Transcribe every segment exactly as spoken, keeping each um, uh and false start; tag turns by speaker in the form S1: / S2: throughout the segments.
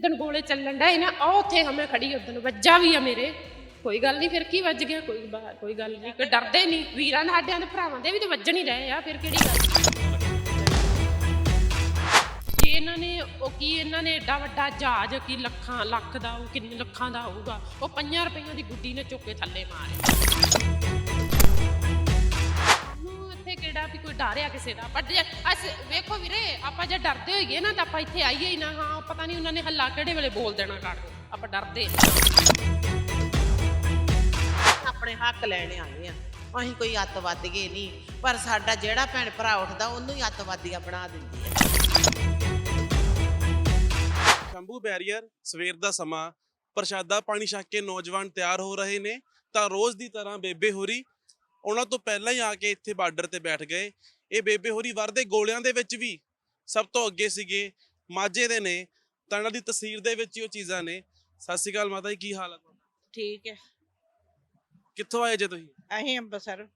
S1: ਜਿੱਦਣ ਗੋਲੇ ਚੱਲਣ ਡਏ ਨਾ ਉਹ ਉੱਥੇ ਹਮੇ ਖੜੀ ਉਦਣ ਵੱਜਾ ਵੀ ਆ ਮੇਰੇ ਕੋਈ ਗੱਲ ਨਹੀਂ ਫਿਰ ਕੀ ਵੱਜ ਗਿਆ ਕੋਈ ਕੋਈ ਗੱਲ ਨਹੀਂ ਕਿ ਡਰਦੇ ਨਹੀਂ ਵੀਰਾਂ ਦੇ ਸਾਡਿਆਂ ਦੇ ਭਰਾਵਾਂ ਦੇ ਵੀ ਤਾਂ ਵੱਜਣ ਹੀ ਰਹੇ ਆ ਫਿਰ ਕਿਹੜੀ ਗੱਲ ਜੇ ਇਹਨਾਂ ਨੇ ਉਹ ਕੀ ਇਹਨਾਂ ਨੇ ਏਡਾ ਵੱਡਾ ਜਹਾਜ਼ ਕੀ ਲੱਖਾਂ ਲੱਖ ਦਾ ਉਹ ਕਿੰਨੇ ਲੱਖਾਂ ਦਾ ਹੋਊਗਾ ਉਹ ਪੰਜਾਂ ਰੁਪਈਆਂ ਦੀ ਗੁੱਡੀ ਨੇ ਚੁੱਕ ਕੇ ਥੱਲੇ ਮਾਰੇ ਇੱਥੇ ਕਿਹੜਾ ਵੀ ਕੋਈ ਡਰਿਆ ਕਿਸੇ ਦਾ ਪਰ ਜੇ ਅਸ ਵੇਖੋ ਵੀਰੇ ਆਪਾਂ ਜੇ ਡਰਦੇ ਹੋਈਏ ਨਾ ਤਾਂ ਆਪਾਂ ਇੱਥੇ ਆਈਏ ਹੀ ਨਾ ਹਾਂ ਪਤਾ ਨਹੀਂ ਉਹਨਾਂ ਨੇ ਹੱਲਾ ਕਿਹੜੇ ਵੇਲੇ ਬੋਲ ਦੇਣਾ ਕਰ ਆਪਾਂ ਡਰਦੇ
S2: ਆਪਣੇ ਹੱਕ ਲੈਣੇ ਆਏ ਆ ਅਸੀਂ ਕੋਈ ਅੱਤਵਾਦੀਏ ਨਹੀਂ ਪਰ ਸਾਡਾ ਜਿਹੜਾ ਭੈਣ ਭਰਾ ਉੱਠਦਾ ਉਹਨੂੰ ਹੀ ਅੱਤਵਾਦੀਆ ਬਣਾ ਦਿੰਦੀ ਹੈ।
S3: ਸ਼ੰਭੂ ਬੈਰੀਅਰ ਸਵੇਰ ਦਾ ਸਮਾਂ ਪ੍ਰਸ਼ਾਦਾ ਪਾਣੀ ਛਕ ਕੇ ਨੌਜਵਾਨ ਤਿਆਰ ਹੋ ਰਹੇ ਨੇ ਤਾਂ ਰੋਜ਼ ਦੀ ਤਰ੍ਹਾਂ ਬੇਬੇ ਹੋਰੀ ਉਹਨਾਂ ਤੋਂ ਪਹਿਲਾਂ ਹੀ ਆ ਕੇ ਇੱਥੇ ਬਾਰਡਰ ਤੇ ਬੈਠ ਗਏ। ਇਹ ਬੇਬੇ ਹੋਰੀ ਵਰਦੇ ਗੋਲਿਆਂ ਦੇ ਵਿੱਚ ਵੀ ਸਭ ਤੋਂ ਅੱਗੇ ਸੀਗੇ ਮਾਝੇ ਦੇ ਨੇ ਤਾਂ ਇਹਨਾਂ ਦੀ ਤਸਵੀਰ ਦੇ ਵਿੱਚ ਹੀ ਉਹ ਚੀਜ਼ਾਂ ਨੇ। ਸਤਿ ਸ਼੍ਰੀ ਅਕਾਲ ਮਾਤਾ ਜੀ, ਕੀ ਹਾਲ ਹੈ ਤੁਹਾਡਾ?
S2: ਠੀਕ ਹੈ।
S3: ਕਿੱਥੋਂ ਆਏ ਜੇ ਤੁਸੀਂ?
S2: ਅਸੀਂ ਅੰਬਰਸਰ।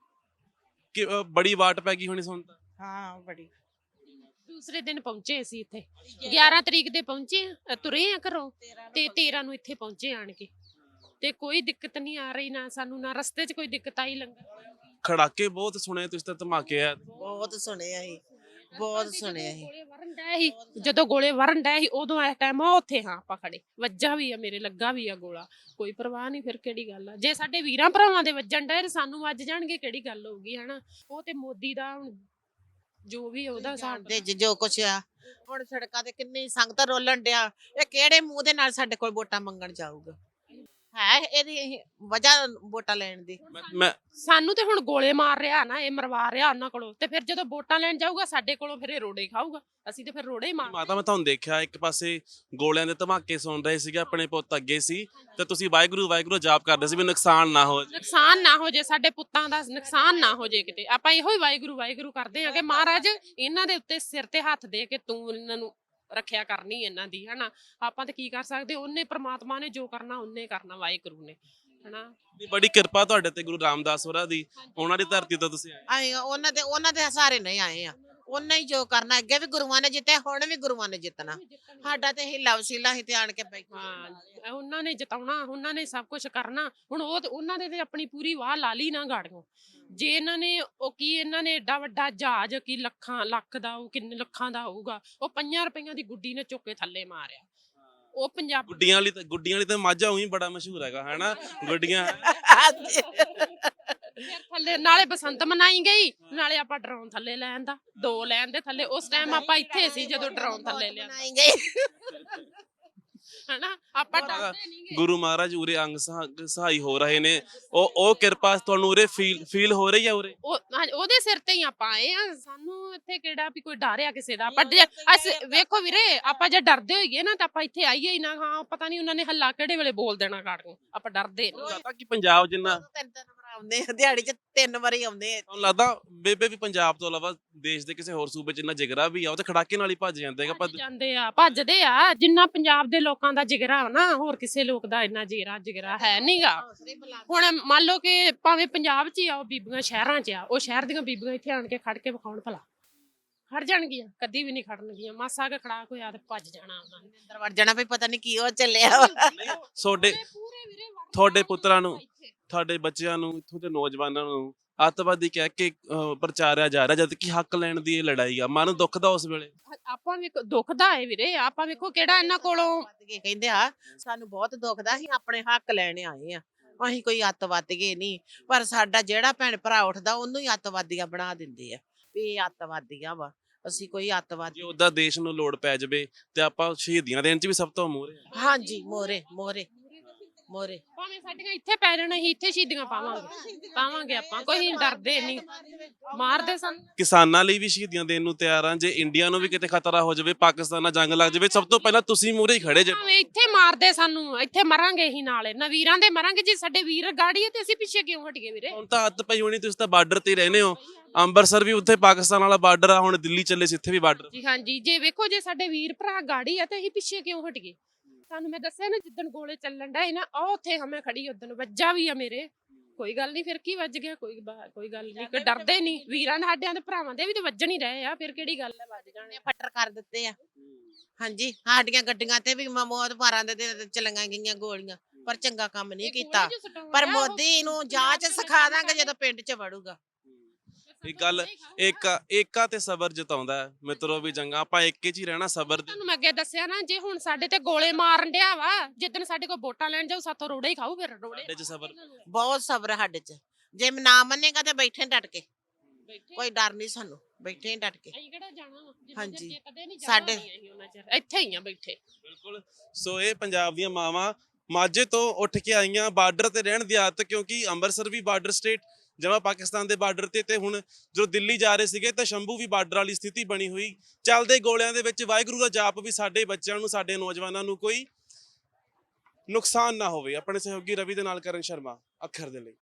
S3: ਕਿ ਅ, ਬੜੀ ਵਾਟ ਪੈ ਗਈ ਹੋਣੀ ਸੁਣ ਤਾਂ।
S2: ਹਾਂ ਬੜੀ।
S1: ਦੂਸਰੇ ਦਿਨ ਪਹੁੰਚੇ ਅਸੀਂ ਇੱਥੇ ਗਿਆਰਾਂ ਤਰੀਕ ਦੇ ਪਹੁੰਚੇ ਤੁਰੇ ਆ ਘਰੋਂ ਤੇ ਤੇਰਾਂ ਨੂੰ ਇੱਥੇ ਪਹੁੰਚੇ ਆਣ ਕੇ ਤੇ ਕੋਈ ਦਿੱਕਤ ਨਹੀਂ ਆ ਰਹੀ ਨਾ ਸਾਨੂੰ ਨਾ ਰਸਤੇ 'ਚ ਕੋਈ ਦਿੱਕਤ ਆਈ ਲੰਗਰ
S3: ਖੜਾਕੇ ਬਹੁਤ ਸੁਣੇ ਤੁਸੀਂ ਤਾਂ ਧਮਾਕੇ ਆ
S2: ਬਹੁਤ ਸੁਣਿਆ ਸੀ ਬਹੁਤ ਸੁਣਿਆ ਸੀ
S1: ਗੋਲੇ ਵਰਨ ਡਏ ਸੀ ਜਦੋਂ ਗੋਲੇ ਵਰਨ ਡਏ ਸੀ ਉਦੋਂ ਇਸ ਟਾਈਮ ਉੱਥੇ ਹਾਂ ਆਪਾਂ ਖੜੇ ਵੱਜਾ ਵੀ ਆ ਮੇਰੇ ਲੱਗਾ ਵੀ ਆ ਗੋਲਾ ਕੋਈ ਪਰਵਾਹ ਨਹੀਂ ਫਿਰ ਕਿਹੜੀ ਗੱਲ ਆ ਜੇ ਸਾਡੇ ਵੀਰਾਂ ਭਰਾਵਾਂ ਦੇ ਵੱਜਣ ਡਏ ਸਾਨੂੰ ਵੱਜ ਜਾਣਗੇ ਕਿਹੜੀ ਗੱਲ ਹੋਊਗੀ ਹਨਾ ਉਹ ਤੇ ਮੋਦੀ ਦਾ ਹੁਣ ਜੋ ਵੀ ਉਹਦਾ
S2: ਸਾਡੇ ਜੋ ਕੁਛ ਆ ਹੁਣ ਸੜਕਾਂ ਤੇ ਕਿੰਨੀ ਸੰਗਤ ਰੋਲਣ ਡਿਆ ਇਹ ਕਿਹੜੇ ਮੂੰਹ ਦੇ ਨਾਲ ਸਾਡੇ ਕੋਲ ਵੋਟਾਂ ਮੰਗਣ ਜਾਊਗਾ ਹੈ ਇਹਦੀ ਵਜ੍ਹਾ ਵੋਟਾਂ ਲੈਣ ਦੀ
S3: ਮੈਂ
S1: ਸਾਨੂੰ ਤੇ ਹੁਣ ਗੋਲੇ ਮਾਰ ਰਿਹਾ ਨਾ ਇਹ ਮਰਵਾ ਰਿਹਾ ਉਹਨਾਂ ਕੋਲੋਂ ਤੇ ਫਿਰ ਜਦੋਂ ਵੋਟਾਂ ਲੈਣ ਜਾਊਗਾ ਸਾਡੇ ਕੋਲੋਂ ਫਿਰ ਇਹ ਰੋੜੇ ਖਾਊਗਾ ਅਸੀਂ ਤੇ ਫਿਰ ਰੋੜੇ ਹੀ ਮਾਰ
S3: ਮਾਤਾ ਮੈਂ ਤੁਹਾਨੂੰ ਦੇਖਿਆ ਇੱਕ ਪਾਸੇ ਗੋਲਿਆਂ ਦੇ ਧਮਾਕੇ ਸੁਣ ਰਹੇ ਸੀਗੇ ਆਪਣੇ ਪੁੱਤ ਅੱਗੇ ਸੀ ਤੇ ਤੁਸੀਂ ਵਾਹਿਗੁਰੂ ਵਾਹਿਗੁਰੂ ਜਾਪ ਕਰਦੇ ਸੀ ਵੀ ਨੁਕਸਾਨ ਨਾ ਹੋ ਜਾਏ
S1: ਨੁਕਸਾਨ ਨਾ ਹੋ ਜੇ ਸਾਡੇ ਪੁੱਤਾਂ ਦਾ ਨੁਕਸਾਨ ਨਾ ਹੋ ਜੇ ਕਿਤੇ ਆਪਾਂ ਇਹੋ ਹੀ ਵਾਹਿਗੁਰੂ ਵਾਹਿਗੁਰੂ ਕਰਦੇ ਆ ਕਿ ਮਹਾਰਾਜ ਇਹਨਾਂ ਦੇ ਉੱਤੇ ਸਿਰ ਤੇ ਹੱਥ ਦੇ ਕੇ ਤੂੰ ਇਹਨਾਂ ਨੂੰ ਰੱਖਿਆ ਕਰਨੀ ਇਹਨਾਂ ਦੀ ਹਨਾ ਆਪਾਂ ਤੇ ਕੀ ਕਰ ਸਕਦੇ ਉਹਨੇ ਪ੍ਰਮਾਤਮਾ ਨੇ ਜੋ ਕਰਨਾ ਉਹਨੇ ਕਰਨਾ ਵਾਹਿਗੁਰੂ ਨੇ ਹਨਾ
S3: ਬੜੀ ਕਿਰਪਾ ਤੁਹਾਡੇ ਤੇ ਗੁਰੂ ਰਾਮਦਾਸ ਹੋਰਾਂ ਦੀ ਉਹਨਾਂ ਦੀ ਧਰਤੀ ਤੋਂ ਤੁਸੀਂ ਆਏ
S2: ਆਏ ਉਹਨਾਂ ਦੇ ਉਹਨਾਂ ਦੇ ਸਾਰੇ ਨਹੀਂ ਆਏ ਆ ਉਹਨਾਂ ਹੀ ਜੋ ਕਰਨਾ ਅੱਗੇ ਵੀ ਗੁਰੂਆਂ ਨੇ ਜਿੱਤਿਆ ਹੁਣ ਵੀ ਗੁਰੂਆਂ ਨੇ ਜਿੱਤਣਾ ਸਾਡਾ ਤੇ ਹਿੱਲਾ ਵਸੀਲਾ ਹੀ ਤੇ ਆਣ ਕੇ ਬੈਠੇ
S1: ਹਾਂ ਉਹਨਾਂ ਨੇ ਜਿਤਾਉਣਾ ਉਹਨਾਂ ਨੇ ਸਭ ਕੁਝ ਕਰਨਾ ਹੁਣ ਉਹ ਉਹਨਾਂ ਦੇ ਤੇ ਆਪਣੀ ਪੂਰੀ ਵਾਹ ਲਾ ਲਈ ਨਾ ਗਾੜੀਆਂ ਜੇ ਇਹਨਾਂ ਨੇ ਉਹ ਕੀ ਇਹਨਾਂ ਨੇ ਏਡਾ ਵੱਡਾ ਜਹਾਜ਼ ਕੀ ਲੱਖਾਂ ਲੱਖ ਦਾ ਉਹ ਕਿੰਨੇ ਲੱਖਾਂ ਦਾ ਹੋਊਗਾ ਉਹ ਪੰਜਾਂ ਰੁਪਈਆਂ ਦੀ ਗੁੱਡੀ ਨੇ ਚੁੱਕ ਕੇ ਥੱਲੇ ਮਾਰਿਆ ਉਹ ਪੰਜਾਬ
S3: ਗੁੱਡੀਆਂ ਵਾਲੀ ਤਾਂ ਗੁੱਡੀਆਂ ਵਾਲੀ ਤਾਂ ਮਾਝਾ ਉਹੀ ਬੜਾ ਮਸ਼ਹੂਰ ਹੈਗਾ ਹੈਨਾ ਗੁੱਡੀਆਂ
S1: ਥੱਲੇ ਨਾਲੇ ਬਸੰਤ ਮਨਾਈ ਗਈ ਨਾਲੇ ਆਪਾਂ ਡਰਾਉਣ ਥੱਲੇ ਲੈਣ ਦਾ ਦੋ ਲੈਣ ਦੇ ਥੱਲੇ ਉਸ ਟਾਈਮ ਆਪਾਂ ਇੱਥੇ ਸੀ ਜਦੋਂ ਡਰਾਉਣ ਥੱਲੇ ਲਿਆ ਹਨਾ ਆਪਾਂ ਡਰਦੇ ਨਹੀਂ
S3: ਗੁਰੂ ਮਹਾਰਾਜ ਉਰੇ ਅੰਗ ਸਹਾਈ ਹੋ ਰਹੇ ਨੇ ਉਹ ਉਹ ਕਿਰਪਾ ਤੁਹਾਨੂੰ ਉਰੇ ਫੀਲ ਫੀਲ ਹੋ ਰਹੀ ਹੈ ਉਰੇ
S1: ਉਹ ਉਹਦੇ ਸਿਰ ਤੇ ਹੀ ਆਪਾਂ ਆਏ ਆ ਸਾਨੂੰ ਇੱਥੇ ਕਿਹੜਾ ਵੀ ਕੋਈ ਡਰਿਆ ਕਿਸੇ ਦਾ ਪਰ ਜੇ ਅਸ ਵੇਖੋ ਵੀਰੇ ਆਪਾਂ ਜੇ ਡਰਦੇ ਹੋਈਏ ਨਾ ਤਾਂ ਆਪਾਂ ਇੱਥੇ ਆਈਏ ਹੀ ਨਾ ਹਾਂ ਪਤਾ ਨਹੀਂ ਉਹਨਾਂ ਨੇ ਹੱਲਾ ਕਿਹੜੇ ਵੇਲੇ ਬੋਲ ਦੇਣਾ ਕਰ ਨੂੰ ਆਪਾਂ ਡਰਦੇ
S3: ਲੱਗਦਾ ਕਿ ਪੰਜਾਬ ਜਿੰਨਾ
S2: ਆਉਂਦੇ ਦਿਹਾੜੀ ਚ ਤਿੰਨ ਵਾਰੀ ਆਉਂਦੇ
S3: ਤੁਹਾਨੂੰ ਲੱਗਦਾ ਬੇਬੇ ਵੀ ਪੰਜਾਬ ਤੋਂ ਇਲਾਵਾ ਦੇਸ਼ ਦੇ ਕਿਸੇ ਹੋਰ ਸੂਬੇ ਚ ਇੰਨਾ ਜਿਗਰਾ ਵੀ ਆ ਉਹ ਤੇ ਖੜਾਕੇ ਨਾਲ ਹੀ ਭੱਜ ਜਾਂਦੇ ਹੈਗਾ
S1: ਜਾਂਦੇ ਆ ਭੱਜਦੇ ਆ ਜਿੰਨਾ ਪੰਜਾਬ ਦੇ ਲੋਕਾਂ ਦਾ ਜਿਗਰਾ ਨਾ ਹੋਰ ਕਿਸੇ ਲੋਕ ਦਾ ਇੰਨਾ ਜਿਗਰਾ ਜਿਗਰਾ ਹੈ ਨਹੀਂਗਾ ਹੁਣ ਮੰਨ ਲਓ ਕਿ ਭਾਵੇਂ ਪੰਜਾਬ ਚ ਹੀ ਆ ਉਹ ਬੀਬੀਆਂ ਸ਼ਹਿਰਾਂ ਚ ਆ ਉਹ ਸ਼ਹਿਰ ਦੀਆਂ ਬੀਬੀਆਂ ਇੱਥੇ ਆਣ ਕੇ ਖੜ ਕੇ ਵਿਖਾਉਣ ਭਲਾ ਖੜ ਜਾਣਗੀਆਂ ਕਦੀ ਵੀ ਨਹੀਂ ਖੜਨਗੀਆਂ ਮਾਸਾ ਕੇ ਖੜਾ ਹੋਇਆ ਤੇ ਭੱਜ ਜਾਣਾ ਉਹਨਾਂ ਨੇ
S2: ਅੰਦਰ ਵੜ ਜਾਣਾ ਵੀ ਪਤਾ ਨਹੀਂ ਕੀ ਉਹ ਚੱਲਿਆ
S3: ਤੁਹਾਡੇ ਤੁਹਾਡੇ ਪੁੱਤਰਾਂ ਨੂੰ ਤੁਹਾਡੇ ਬੱਚਿਆਂ ਨੂੰ ਇੱਥੋਂ ਦੇ ਨੌਜਵਾਨਾਂ ਨੂੰ ਅੱਤਵਾਦੀ ਕਹਿ ਕੇ ਪ੍ਰਚਾਰਿਆ ਜਾ ਰਿਹਾ ਜਦ ਕਿ ਹੱਕ ਲੈਣ ਦੀ ਇਹ ਲੜਾਈ ਆ ਮਨ ਦੁਖਦਾ ਉਸ ਵੇਲੇ
S1: ਆਪਾਂ ਵੀ ਦੁਖਦਾ ਹੈ ਵੀਰੇ ਆਪਾਂ ਵੇਖੋ ਕਿਹੜਾ ਇਹਨਾਂ ਕੋਲੋਂ
S2: ਕਹਿੰਦੇ ਆ ਸਾਨੂੰ ਬਹੁਤ ਦੁਖਦਾ ਅਸੀਂ ਆਪਣੇ ਹੱਕ ਲੈਣੇ ਆਏ ਆ ਅਸੀਂ ਕੋਈ ਅੱਤਵਾਦੀਏ ਨਹੀਂ ਪਰ ਸਾਡਾ ਜਿਹੜਾ ਭੈਣ ਭਰਾ ਉੱਠਦਾ ਉਹਨੂੰ ਹੀ ਅੱਤਵਾਦੀਆ ਬਣਾ ਦਿੰਦੇ ਆ ਵੀ ਇਹ ਅੱਤਵਾਦੀਆਂ ਵਾ ਅਸੀਂ ਕੋਈ ਅੱਤਵਾਦੀ
S3: ਜੇ ਉਹਦਾ ਦੇਸ਼ ਨੂੰ ਲੋੜ ਪੈ ਜਾਵੇ ਤੇ ਆਪਾਂ ਸ਼ਹੀਦੀਆਂ ਦੇਣ ਚ ਵੀ ਸਭ ਤੋਂ ਮੋਹਰੇ
S2: ਹਾਂਜੀ ਮੋਰੇ ਮੋਰੇ ਮੋਰੇ
S1: ਭਾਵੇਂ ਸਾਡੀਆਂ ਇੱਥੇ ਪੈ ਜਾਣ ਅਸੀਂ ਇੱਥੇ ਸ਼ਹੀਦੀਆਂ ਪਾਵਾਂਗੇ ਪਾਵਾਂਗੇ ਆਪਾਂ ਕੋਈ ਡਰਦੇ ਨਹੀਂ ਮਾਰਦੇ ਸਨ
S3: ਕਿਸਾਨਾਂ ਲਈ ਵੀ ਸ਼ਹੀਦੀਆਂ ਦੇਣ ਨੂੰ ਤਿਆਰ ਆ ਜੇ ਇੰਡੀਆ ਨੂੰ ਵੀ ਕਿਤੇ ਖਤਰਾ ਹੋ ਜਾਵੇ ਪਾਕਿਸਤਾਨ ਨਾਲ ਜੰਗ ਲੱਗ ਜਾਵੇ ਸਭ ਤੋਂ ਪਹਿਲਾਂ ਤੁਸੀਂ ਮੂਹਰੇ ਹੀ ਖੜੇ ਜੇ
S1: ਭਾਵੇਂ ਇੱਥੇ ਮਾਰਦੇ ਸਾਨੂੰ ਇੱਥੇ ਮਰਾਂਗੇ ਹੀ ਨਾਲੇ ਨਾ ਵੀਰਾਂ ਦੇ ਮਰਾਂਗੇ ਜੇ ਸਾਡੇ ਵੀਰ ਗਾੜੀ ਹੈ ਤੇ ਅਸੀਂ ਪਿੱਛੇ ਕਿਉਂ ਹਟ ਗਏ ਵੀਰੇ
S3: ਹੁਣ ਤਾਂ ਹੱਥ ਪਈ ਹੋਣੀ ਤੁਸੀਂ ਤਾਂ ਬਾਰਡਰ ਤੇ ਰਹਿੰਦੇ ਹੋ ਅੰਮ੍ਰਿਤਸਰ ਵੀ ਉੱਥੇ ਪਾਕਿਸਤਾਨ ਵਾਲਾ ਬਾਰਡਰ ਆ ਹੁਣ ਦਿੱਲੀ ਚੱਲੇ ਸੀ ਇੱਥੇ ਵੀ ਬਾਰਡਰ
S1: ਜੀ ਹਾਂਜੀ ਜੇ ਵੇਖੋ ਜੇ ਸਾਡੇ ਵੀਰ ਭਰਾ ਗਾੜੀ ਆ ਤੇ ਅਸੀਂ ਪਿੱਛੇ ਕਿਉਂ ਹਟ ਗਏ ਤੁਹਾਨੂੰ ਮੈਂ ਦੱਸਿਆ ਨਾ ਜਿੱਦਣ ਗੋਲੇ ਚੱਲਣ ਡਏ ਨਾ ਉਹ ਉੱਥੇ ਹਮੇ ਖੜੀ ਉਦਣ ਵੱਜਾ ਵੀ ਆ ਮੇਰੇ ਕੋਈ ਗੱਲ ਨਹੀਂ ਫਿਰ ਕੀ ਵੱਜ ਗਿਆ ਕੋਈ ਕੋਈ ਗੱਲ ਨਹੀਂ ਕਿ ਡਰਦੇ ਨਹੀਂ ਵੀਰਾਂ ਦੇ ਸਾਡਿਆਂ ਦੇ ਭਰਾਵਾਂ ਦੇ ਵੀ ਤਾਂ ਵੱਜਣ ਹੀ ਰਹੇ ਆ ਫਿਰ ਕਿਹੜੀ ਗੱਲ ਹੈ ਵੱਜ ਜਾਣੇ
S2: ਫੱਟਰ ਕਰ ਦਿੱਤੇ ਆ ਹਾਂਜੀ ਸਾਡੀਆਂ ਗੱਡੀਆਂ ਤੇ ਵੀ ਮ- ਮੌਤ ਮਾਰਾਂ ਦੇ ਦਿਨ ਤੇ ਚਲੀਆਂ ਗਈਆਂ ਗੋਲੀਆਂ ਪਰ ਚੰਗਾ ਕੰਮ ਨਹੀਂ ਕੀਤਾ ਪਰ ਮੋਦੀ ਨੂੰ ਜਾਂਚ ਸਿਖਾ ਦਾਂਗੇ ਜਦੋਂ ਪਿੰਡ 'ਚ ਵੜੂਗਾ।
S3: ਇਹ ਗੱਲ ਏਕਾ ਏਕਾ ਤੇ ਸਬਰ ਜਤਾਉਂਦਾ ਹੈ ਮਿੱਤਰੋ ਵੀ ਜੰਗਾ ਆਪਾਂ ਏਕੇ 'ਚ ਹੀ ਰਹਿਣਾ ਸਬਰ ਦੇ।
S1: ਤੁਹਾਨੂੰ ਮੈਂ ਅੱਗੇ ਦੱਸਿਆ ਨਾ ਜੇ ਹੁਣ ਸਾਡੇ ਤੇ ਗੋਲੇ ਮਾਰਨ ਡਿਆ ਵਾ ਜਿੱਦਣ ਸਾਡੇ ਕੋਲ ਵੋਟਾਂ ਲੈਣ ਜਾਊ ਸਾਥੋਂ ਰੋੜੇ ਹੀ ਖਾਊ ਫਿਰ ਰੋੜੇ
S3: ਸਾਡੇ 'ਚ ਸਬਰ
S2: ਬਹੁਤ ਸਬਰ ਹੈ ਸਾਡੇ 'ਚ ਜੇ ਨਾ ਮੰਨੇਗਾ ਤੇ ਬੈਠੇ ਡਟ ਕੇ ਕੋਈ ਡਰ ਨਹੀਂ ਸਾਨੂੰ ਬੈਠੇ ਹੀ ਡਟ ਕੇ।
S1: ਅਸੀਂ ਕਿਹੜਾ ਜਾਣਾ ਵਾ? ਜਿੰਨਾ
S2: ਹਾਂਜੀ।
S1: ਚਿਰ ਕਦੇ ਨਹੀਂ
S2: ਸਾਡੇ-
S1: ਜਾਣਾ ਅਸੀਂ ਉਹਨਾਂ ਚਿਰ ਇੱਥੇ ਹੀ ਆ ਬੈਠੇ।
S3: ਬਿਲਕੁਲ। ਸੋ ਇਹ ਪੰਜਾਬ ਦੀਆਂ ਮਾਵਾਂ ਮਾਝੇ ਤੋਂ ਉੱਠ ਕੇ ਆਈਆਂ ਬਾਰਡਰ ਤੇ ਰਹਿਣ ਦੀ ਆਦਤ, ਕਿਉਂਕਿ ਅੰਮ੍ਰਿਤਸਰ ਵੀ ਬਾਰਡਰ ਸਟੇਟ ਜਮਾ ਪਾਕਿਸਤਾਨ ਦੇ ਬਾਰਡਰ ਤੇ ਤੇ ਹੁਣ ਜਦੋਂ ਦਿੱਲੀ ਜਾ ਰਹੇ ਸੀਗੇ ਤਾਂ ਸ਼ੰਭੂ ਵੀ ਬਾਰਡਰ ਵਾਲੀ ਸਥਿਤੀ ਬਣੀ ਹੋਈ। ਚੱਲਦੇ ਗੋਲਿਆਂ ਦੇ ਵਿੱਚ ਵਾਹਿਗੁਰੂ ਦਾ ਜਾਪ ਵੀ ਸਾਡੇ ਬੱਚਿਆਂ ਨੂੰ ਸਾਡੇ ਨੌਜਵਾਨਾਂ ਨੂੰ ਕੋਈ ਨੁਕਸਾਨ ਨਾ ਹੋਵੇ। ਆਪਣੇ ਸਹਿਯੋਗੀ ਰਵੀ ਦੇ ਨਾਲ ਕਰਨ ਸ਼ਰਮਾ ਅੱਖਰ ਦੇ ਲਈ।